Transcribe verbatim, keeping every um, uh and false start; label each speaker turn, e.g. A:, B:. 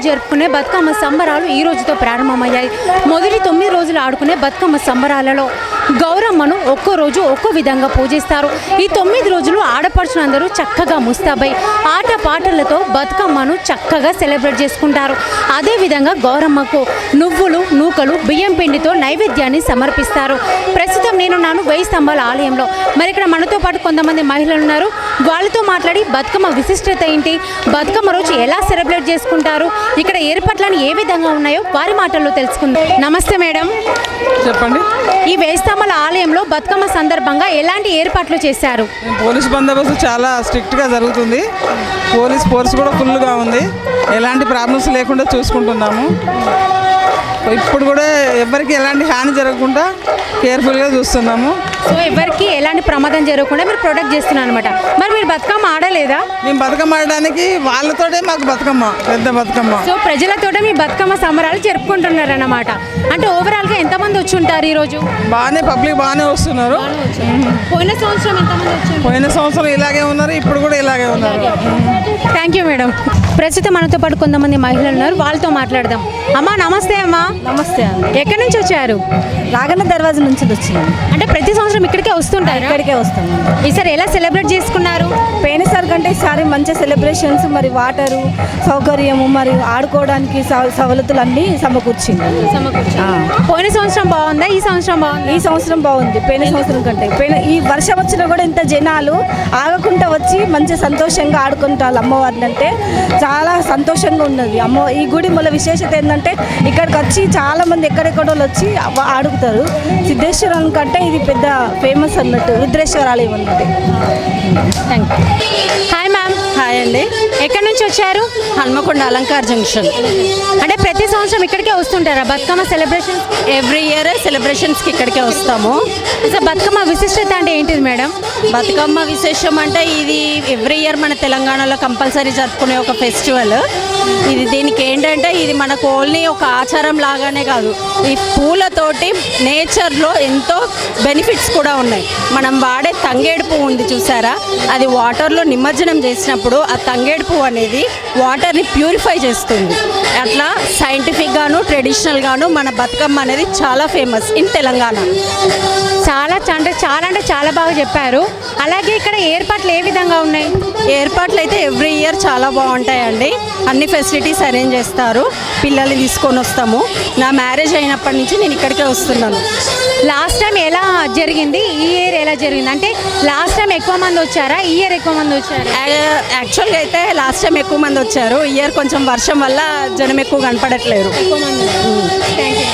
A: జరుపుకునే బతుకమ్మ సంబరాలు ఈ రోజుతో ప్రారంభమయ్యాయి. మొదటి తొమ్మిది రోజులు ఆడుకునే బతుకమ్మ సంబరాలలో గౌరమ్మను ఒక్కో రోజు ఒక్కో విధంగా పూజిస్తారు. ఈ తొమ్మిది రోజులు ఆడపడుచులందరూ చక్కగా ముస్తాబై ఆట పాటలతో బతుకమ్మను చక్కగా సెలబ్రేట్ చేసుకుంటారు. అదేవిధంగా గౌరమ్మకు నువ్వులు నూకలు బియ్యం పిండితో నైవేద్యాన్ని సమర్పిస్తారు. ప్రస్తుతం నేను నాను వెయ్యి స్తంభాల ఆలయంలో. మరి ఇక్కడ మనతో పాటు కొంతమంది మహిళలు ఉన్నారు. వాళ్ళతో మాట్లాడి బతుకమ్మ విశిష్టత ఏంటి, బతుకమ్మ రోజు ఎలా సెలబ్రేట్ చేసుకుంటారు, ఇక్కడ ఏర్పాట్లను ఏ విధంగా ఉన్నాయో వారి మాటల్లో తెలుసుకుందాం. నమస్తే మేడం,
B: చెప్పండి.
A: ఈ వెయ్యి స్తంభాల ఆలయంలో బతుకమ్మ సందర్భంగా ఎలాంటి ఏర్పాట్లు చేశారు?
B: పోలీస్ బందోబస్తు చాలా స్ట్రిక్ట్గా జరుగుతుంది. పోలీస్ ఫోర్స్ కూడా ఫుల్గా ఉంది. ఎలాంటి ప్రాబ్లమ్స్ లేకుండా చూసుకుంటున్నాము. ఇప్పుడు కూడా ఎవరికి ఎలాంటి హాని జరగకుండా కేర్ఫుల్గా చూస్తున్నాము.
A: సో ఎవరికి ఎలాంటి ప్రమాదం జరగకుండా మీరు ప్రొటెక్ట్ చేస్తున్నారు అనమాట. మరి మీరు బతుకమ్మ ఆడలేదా?
B: మేము బతుకమ్మ ఆడడానికి వాళ్ళతోటే మాకు బతుకమ్మ పెద్ద బతుకమ్మ.
A: సో ప్రజలతోటే మీ బతుకమ్మ సంబరాలు జరుపుకుంటున్నారు అన్నమాట. అంటే ఓవరాల్గా ఎంతమంది వచ్చి ఉంటారు ఈరోజు?
B: బాగానే పబ్లిక్ బాగానే వస్తున్నారు.
A: పోయిన సంవత్సరం ఎంతమంది వచ్చి?
B: పోయిన సంవత్సరం ఇలాగే ఉన్నారు, ఇప్పుడు కూడా ఇలాగే ఉన్నారు.
A: Thank you madam. ప్రస్తుతం మనతో పాటు కొంతమంది మహిళలు ఉన్నారు, వాళ్ళతో మాట్లాడదాం. అమ్మా నమస్తే. అమ్మా
C: నమస్తే అండి.
A: ఎక్కడి నుంచి వచ్చారు?
C: రాగన్న దర్వాజా నుంచి వచ్చినాము.
A: అంటే ప్రతి సంవత్సరం ఇక్కడికే వస్తుంటారు?
C: ఇక్కడికే వస్తాము.
A: ఈసారి ఎలా సెలబ్రేట్ చేసుకున్నారు?
C: పోయినసారి కంటే ఈసారి మంచి సెలబ్రేషన్స్, మరి వాటరు సౌకర్యము, మరి ఆడుకోవడానికి సవలతులు అన్నీ సమకూర్చింది.
A: పోయిన సంవత్సరం బాగుందా, ఈ సంవత్సరం బాగుంది?
C: ఈ సంవత్సరం బాగుంది పోయిన సంవత్సరం కంటే. పోయిన ఈ వర్షం వచ్చినా కూడా ఇంత జనాలు ఆగకుండా వచ్చి మంచి సంతోషంగా ఆడుకుంటారు అమ్మవారిని. అంటే చాలా సంతోషంగా ఉన్నది. అమ్మ ఈ గుడి మూల విశేషత ఏంటంటే ఇక్కడికి వచ్చి చాలా మంది ఎక్కడెక్కడో వచ్చి ఆడుకుతారు. సిద్ధేశ్వరం కంటే ఇది పెద్ద ఫేమస్ అన్నట్టు రుద్రేశ్వర ఆలయం అన్నది.
A: Thank you. Hi ma'am.
C: హాయ్ అండి.
A: ఎక్కడి నుంచి వచ్చారు?
C: హన్మకొండ అలంకార్ జంక్షన్.
A: అంటే ప్రతి సంవత్సరం ఇక్కడికే వస్తుంటారా బతుకమ్మ సెలబ్రేషన్?
C: ఎవ్రీ ఇయర్ సెలబ్రేషన్స్కి ఇక్కడికే వస్తాము.
A: అసలు బతుకమ్మ విశిష్టత అంటే ఏంటిది మేడం?
C: బతుకమ్మ విశేషం అంటే ఇది ఎవ్రీ ఇయర్ మన తెలంగాణలో కంపల్సరీ జరుపుకునే ఒక ఫెస్టివల్. ఇది దీనికి ఏంటంటే ఇది మనకు ఓన్లీ ఒక ఆచారం లాగానే కాదు, ఈ పూలతోటి నేచర్లో ఎంతో బెనిఫిట్స్ కూడా ఉన్నాయి. మనం వాడే తంగేడు పువ్వు ఉంది చూసారా, అది వాటర్లో నిమజ్జనం చేసినప్పుడు ఆ తంగేడు పువ్వు అనేది వాటర్ని ప్యూరిఫై చేస్తుంది. అట్లా సైంటిఫిక్గాను ట్రెడిషనల్గాను మన బతుకమ్మ అనేది చాలా ఫేమస్ ఇన్ తెలంగాణ.
A: చాలా అంటే చాలా అంటే చాలా బాగా చెప్పారు. అలాగే ఇక్కడ ఏర్పాట్లు ఏ విధంగా ఉన్నాయి?
C: ఏర్పాట్లు అయితే ఎవ్రీ ఇయర్ చాలా బాగుంటాయండి. అన్ని ఫెసిలిటీస్ అరేంజ్ చేస్తారు. పిల్లల్ని తీసుకొని వస్తాము. నా మ్యారేజ్ అయినప్పటి నుంచి నేను ఇక్కడికే వస్తున్నాను.
A: లాస్ట్ టైం ఎలా జరిగింది, ఈ ఇయర్ ఎలా జరిగింది? అంటే లాస్ట్ టైం ఎక్కువ మంది వచ్చారా, ఈ ఇయర్ ఎక్కువ మంది వచ్చారు?
C: యాక్చువల్గా అయితే లాస్ట్ టైం ఎక్కువ మంది వచ్చారు. ఈ ఇయర్ కొంచెం వర్షం వల్ల జనం ఎక్కువ కనపడట్లేరు.
A: ఎక్కువ మంది. Thank you.